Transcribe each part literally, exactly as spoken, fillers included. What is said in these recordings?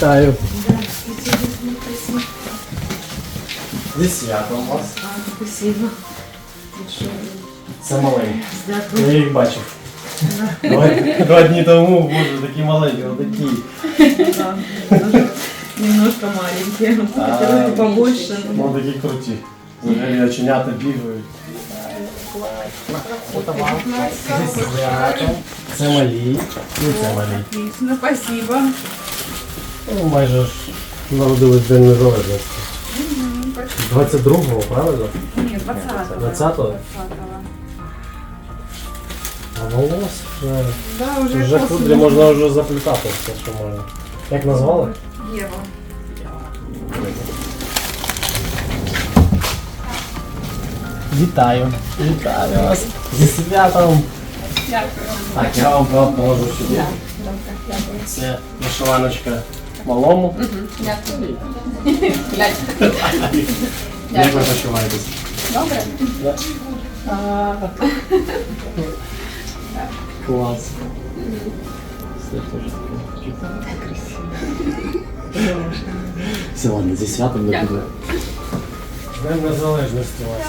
Вітаю. Зі святом вас. Спасибо. Це маленький. Дякую. Я їх бачив. Два, два дні тому, боже, такі маленькі, отакі. Да, даже немножко маленькие. Хотелось бы побольше. но- Ну такі круті. Взагалі оченята бігають. Зі святом. Це малі. І це малі. Отлично, спасибо. Ну, майже ж народились День Незалежності. двадцять другого, правильно? Нет, двадцатого. двадцятого? А волос вже... Да, уже, Вже после. кудрі можна вже заплітати все, що можна. Як назвали? Ева. Вітаю. Вітаю вас. Зі святом. Дякую. Так, я вам правда положу сюди. Це вишиваночка малому. Дякую. Як ви почуваєтесь? Добре? Клас. Все теж таке красиво. Все, ладно, зі святом не буде. З Днем Незалежності вас.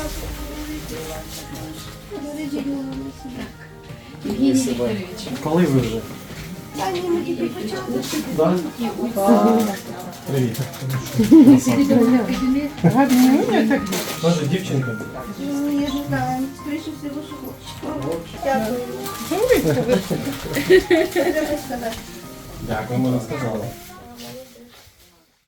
Евгений Викторович. Коли ви вже? Да? Привіт. Може, дівчинка? Ну, я не знаю, скоріше всього, що хлопчик. Дякую. Треба сказати. Дякую, ми розказали.